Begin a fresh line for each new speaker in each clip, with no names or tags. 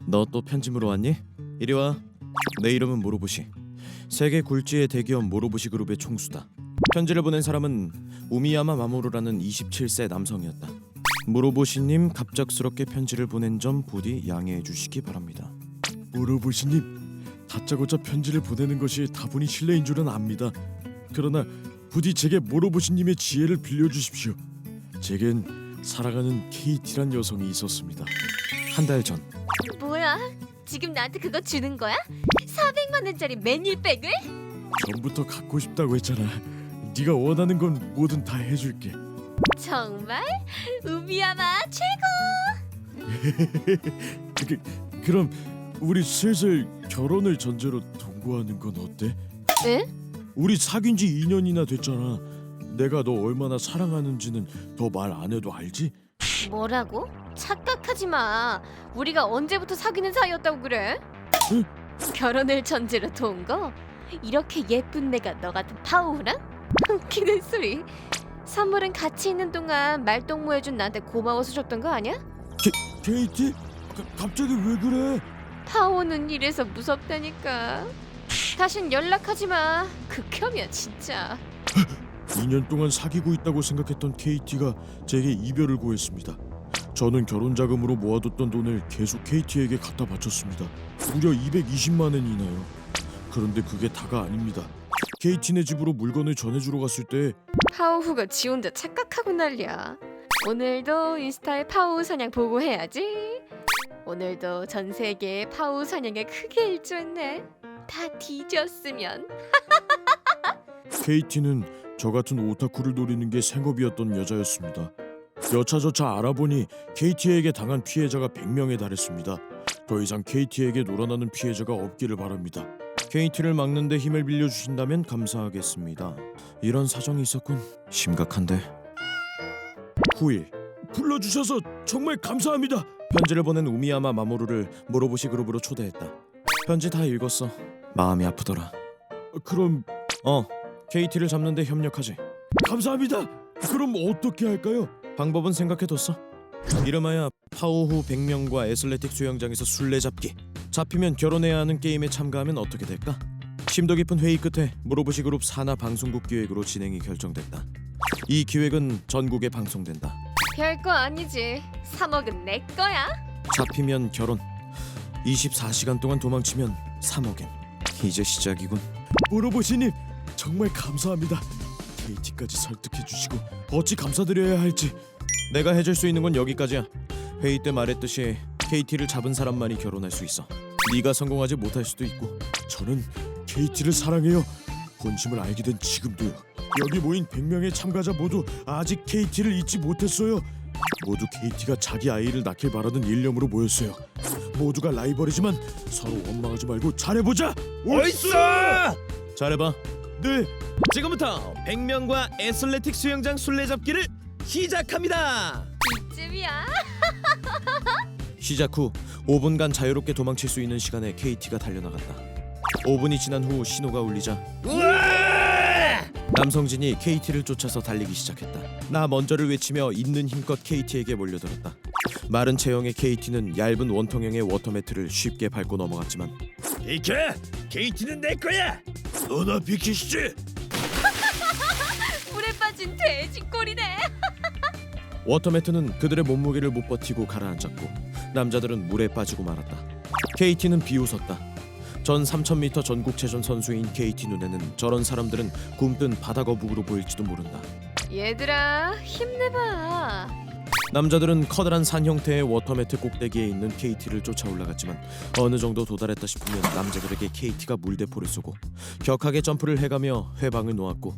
너 또 편집으로 왔니? 이리 와. 내 이름은 모로보시. 세계 굴지의 대기업 모로보시 그룹의 총수다. 편지를 보낸 사람은 우미야마 마모루라는 27세 남성이었다. 모로보시님, 갑작스럽게 편지를 보낸 점 부디 양해해 주시기 바랍니다.
모로보시님, 다짜고짜 편지를 보내는 것이 다분히 실례인 줄은 압니다. 그러나 부디 제게 모로보시님의 지혜를 빌려주십시오. 제겐 사랑하는 KT란 여성이 있었습니다.
한 달 전
뭐야? 지금 나한테 그거 주는 거야? 400만 원짜리 매닐백을?
전부터 갖고 싶다고 했잖아. 네가 원하는 건 뭐든 다 해줄게.
정말? 우미야마 최고!
그럼 우리 슬슬 결혼을 전제로 동거하는 건 어때?
에?
우리 사귄 지 2년이나 됐잖아. 내가 너 얼마나 사랑하는지는 더 말 안 해도 알지?
뭐라고? 착각하지 마. 우리가 언제부터 사귀는 사이였다고 그래?
응?
결혼을 전제로 동거? 이렇게 예쁜 내가 너 같은 파우랑? 웃기는 소리. 선물은 같이 있는 동안 말동무해준 나한테 고마워서 줬던 거 아니야?
KT? 갑자기 왜 그래?
파오는 이래서 무섭다니까. 다신 연락하지 마. 극혐이야 진짜.
2년 동안 사귀고 있다고 생각했던 KT가 제게 이별을 고했습니다. 저는 결혼 자금으로 모아뒀던 돈을 계속 KT에게 갖다 바쳤습니다. 무려 220만 원이나요. 그런데 그게 다가 아닙니다. KT네 집으로 물건을 전해주러 갔을 때
파오후가 지 혼자 착각하고 난리야. 오늘도 인스타에 파오후 사냥 보고해야지. 오늘도 전 세계에 파오후 사냥에 크게 일조했네. 다 뒤졌으면.
KT는 저 같은 오타쿠를 노리는 게 생업이었던 여자였습니다. 여차저차 알아보니 KT에게 당한 피해자가 100명에 달했습니다. 더 이상 KT에게 놀아나는 피해자가 없기를 바랍니다.
KT를 막는 데 힘을 빌려주신다면 감사하겠습니다. 이런 사정이 있었군. 심각한데.
9일 불러주셔서 정말 감사합니다.
편지를 보낸 우미야마 마모루를 모로보시 그룹으로 초대했다. 편지 다 읽었어. 마음이 아프더라.
그럼
KT를 잡는 데 협력하지.
감사합니다. 그럼 어떻게 할까요?
방법은 생각해뒀어. 이름하여 파오후 100명과 애슬레틱 수영장에서 술래잡기. 잡히면 결혼해야 하는 게임에 참가하면 어떻게 될까? 심도 깊은 회의 끝에 모로보시 그룹 산하 방송국 기획으로 진행이 결정됐다. 이 기획은 전국에 방송된다.
별거 아니지. 3억은 내 거야.
잡히면 결혼, 24시간 동안 도망치면 3억엔. 이제 시작이군.
모로보시님 정말 감사합니다. KT까지 설득해주시고 어찌 감사드려야 할지.
내가 해줄 수 있는 건 여기까지야. 회의 때 말했듯이 KT를 잡은 사람만이 결혼할 수 있어. 네가 성공하지 못할 수도 있고.
저는 KT를 사랑해요. 본심을 알게 된 지금도요. 여기 모인 100명의 참가자 모두 아직 KT를 잊지 못했어요. 모두 KT가 자기 아이를 낳길 바라는 일념으로 모였어요. 모두가 라이벌이지만 서로 원망하지 말고 잘해보자.
옳소! 잘해봐.
네.
지금부터 100명과 애슬레틱 수영장 술래잡기를 시작합니다.
이쯤이야.
시작 후 5분간 자유롭게 도망칠 수 있는 시간에 KT가 달려나갔다. 5분이 지난 후 신호가 울리자 남성진이 KT를 쫓아서 달리기 시작했다. 나 먼저를 외치며 있는 힘껏 KT에게 몰려들었다. 마른 체형의 KT는 얇은 원통형의 워터매트를 쉽게 밟고 넘어갔지만
비켜! KT는 내 거야. 너나 비키시지.
물에 빠진 돼지 꼴이네.
워터매트는 그들의 몸무게를 못 버티고 가라앉았고 남자들은 물에 빠지고 말았다. KT는 비웃었다. 전 3000m 전국체전 선수인 KT 눈에는 저런 사람들은 굼뜬 바다거북으로 보일지도 모른다.
얘들아 힘내봐.
남자들은 커다란 산 형태의 워터매트 꼭대기에 있는 KT를 쫓아 올라갔지만 어느 정도 도달했다 싶으면 남자들에게 KT가 물대포를 쏘고 격하게 점프를 해가며 회방을 놓았고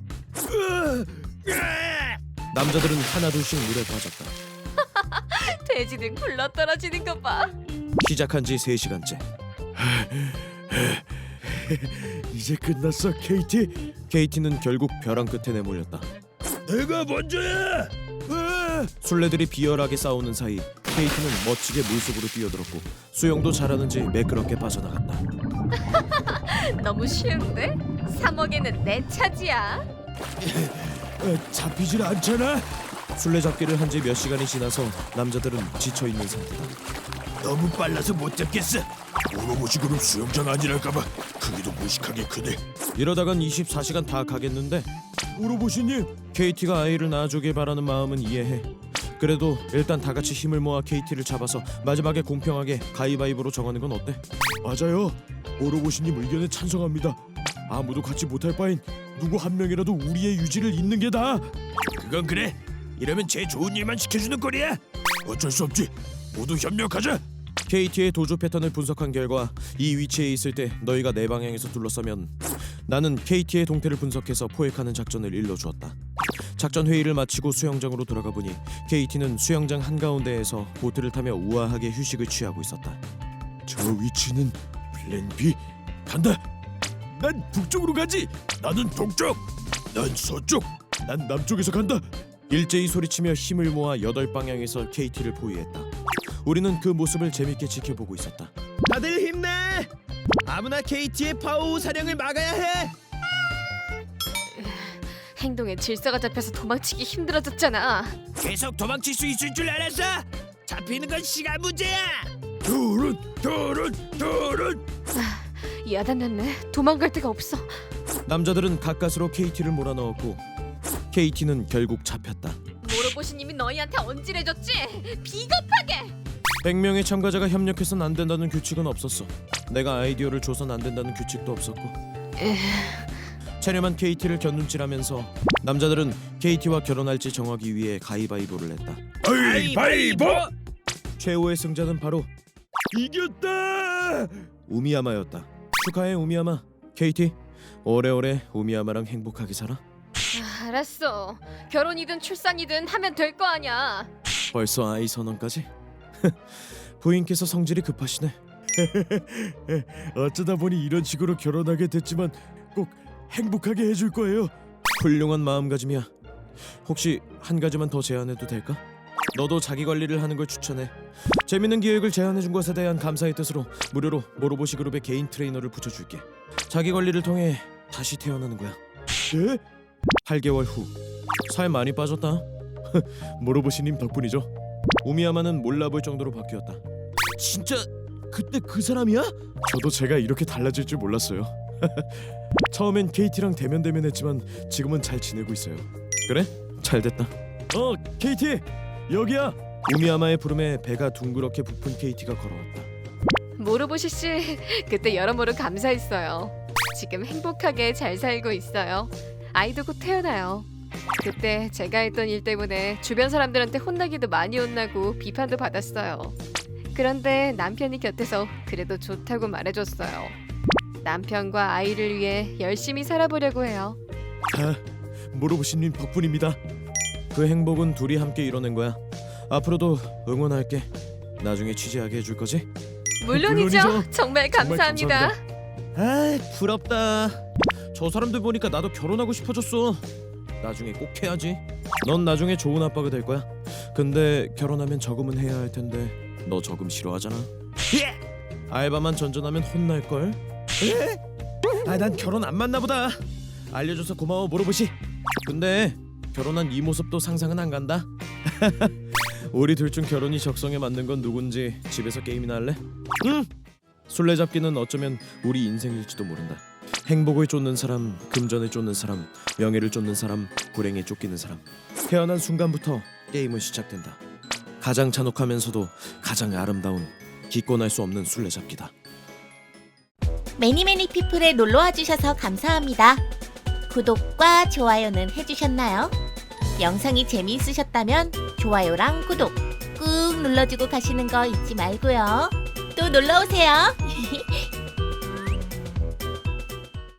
남자들은 하나둘씩 물에 빠졌다.
돼지는 굴러 떨어지는 거 봐.
시작한 지 3시간째.
이제 끝났어, KT.
KT는 결국 벼랑 끝에 내몰렸다.
내가 먼저야.
술래들이 비열하게 싸우는 사이 KT는 멋지게 물속으로 뛰어들었고 수영도 잘하는지 매끄럽게 빠져나갔다.
너무 쉬운데? 3억에는 내 차지야.
잡히질 않잖아.
술래잡기를 한 지 몇 시간이 지나서 남자들은 지쳐있는 상태다.
너무 빨라서 못 잡겠어. 모로보시 그룹 수영장 아니랄까봐 크기도 무식하게 크네.
이러다간 24시간 다 가겠는데.
모로보시님,
KT가 아이를 낳아주길 바라는 마음은 이해해. 그래도 일단 다 같이 힘을 모아 KT를 잡아서 마지막에 공평하게 가위바위보로 정하는 건 어때?
맞아요. 모로보시님 의견에 찬성합니다. 아무도 같이 못할 바엔 누구 한 명이라도 우리의 유지를 잇는 게 나아. 그건 그래. 이러면 제일 좋은 일만 시켜주는 꼴이야. 어쩔 수 없지. 모두 협력하자.
KT의 도주 패턴을 분석한 결과 이 위치에 있을 때 너희가 내 방향에서 둘러서면 나는 KT의 동태를 분석해서 포획하는 작전을 일러주었다. 작전 회의를 마치고 수영장으로 돌아가 보니 KT는 수영장 한가운데에서 보트를 타며 우아하게 휴식을 취하고 있었다.
저 위치는 플랜 B. 간다. 난 북쪽으로 가지. 나는 동쪽. 난 서쪽. 난 남쪽에서 간다.
일제히 소리치며 힘을 모아 8방향에서 KT를 포위했다. 우리는 그 모습을 재밌게 지켜보고 있었다. 다들 힘내! 아무나 KT의 파워 사령을 막아야 해!
행동에 질서가 잡혀서 도망치기 힘들어졌잖아.
계속 도망칠 수 있을 줄 알았어. 잡히는 건 시간 문제야. 둘은.
야단났네. 도망갈 데가 없어.
남자들은 가까스로 KT를 몰아넣었고 KT는 결국 잡혔다.
모로보시님이 너희한테 언질해줬지? 비겁하게!
100명의 참가자가 협력해선 안 된다는 규칙은 없었어. 내가 아이디어를 줘선 안 된다는 규칙도 없었고. 체념한 KT를 견눈질하면서 남자들은 KT와 결혼할지 정하기 위해 가위바위보를 했다.
가위바위보.
최후의 승자는 바로
이겼다.
우미야마였다. 축하해 우미야마. KT 오래오래 우미야마랑 행복하게 살아.
알았어. 결혼이든 출산이든 하면 될 거 아니야.
벌써 아이 선언까지? 부인께서 성질이 급하시네.
어쩌다 보니 이런 식으로 결혼하게 됐지만 꼭 행복하게 해줄 거예요.
훌륭한 마음가짐이야. 혹시 한 가지만 더 제안해도 될까? 너도 자기 관리를 하는 걸 추천해. 재밌는 기획을 제안해준 것에 대한 감사의 뜻으로 무료로 모로보시 그룹의 개인 트레이너를 붙여줄게. 자기 관리를 통해 다시 태어나는 거야.
네?
8개월 후. 살 많이 빠졌다.
모로보시님 덕분이죠.
우미야마는 몰라볼 정도로 바뀌었다.
진짜 그때 그 사람이야? 저도 제가 이렇게 달라질 줄 몰랐어요. 처음엔 KT랑 대면했지만 지금은 잘 지내고 있어요.
그래? 잘 됐다.
KT 여기야.
우미야마의 부름에 배가 둥그렇게 부푼 KT가 걸어왔다.
모로보시 씨, 그때 여러모로 감사했어요. 지금 행복하게 잘 살고 있어요. 아이도 곧 태어나요. 그때 제가 했던 일 때문에 주변 사람들한테 혼나기도 많이 혼나고 비판도 받았어요. 그런데 남편이 곁에서 그래도 좋다고 말해줬어요. 남편과 아이를 위해 열심히 살아보려고 해요.
다 모로보시님 덕분입니다.
그 행복은 둘이 함께 이뤄낸 거야. 앞으로도 응원할게. 나중에 취재하게 해줄 거지?
물론이죠.
물론이죠.
정말
정말
감사합니다.
아이 부럽다. 저 사람들 보니까 나도 결혼하고 싶어졌어. 나중에 꼭 해야지. 넌 나중에 좋은 아빠가 될 거야. 근데 결혼하면 저금은 해야 할 텐데 너 저금 싫어하잖아. 알바만 전전하면 혼날 걸. 난 결혼 안 맞나 보다. 알려줘서 고마워 모로보시. 근데 결혼한 이 모습도 상상은 안 간다. 우리 둘 중 결혼이 적성에 맞는 건 누군지 집에서 게임이나 할래? 응. 술래잡기는 어쩌면 우리 인생일지도 모른다. 행복을 쫓는 사람, 금전을 쫓는 사람, 명예를 쫓는 사람, 불행에 쫓기는 사람. 태어난 순간부터 게임은 시작된다. 가장 잔혹하면서도 가장 아름다운 기권할 수 없는 술래잡기다.
매니매니 피플에 놀러와 주셔서 감사합니다. 구독과 좋아요는 해주셨나요? 영상이 재미있으셨다면 좋아요랑 구독 꾹 눌러주고 가시는 거 잊지 말고요. 또 놀러오세요.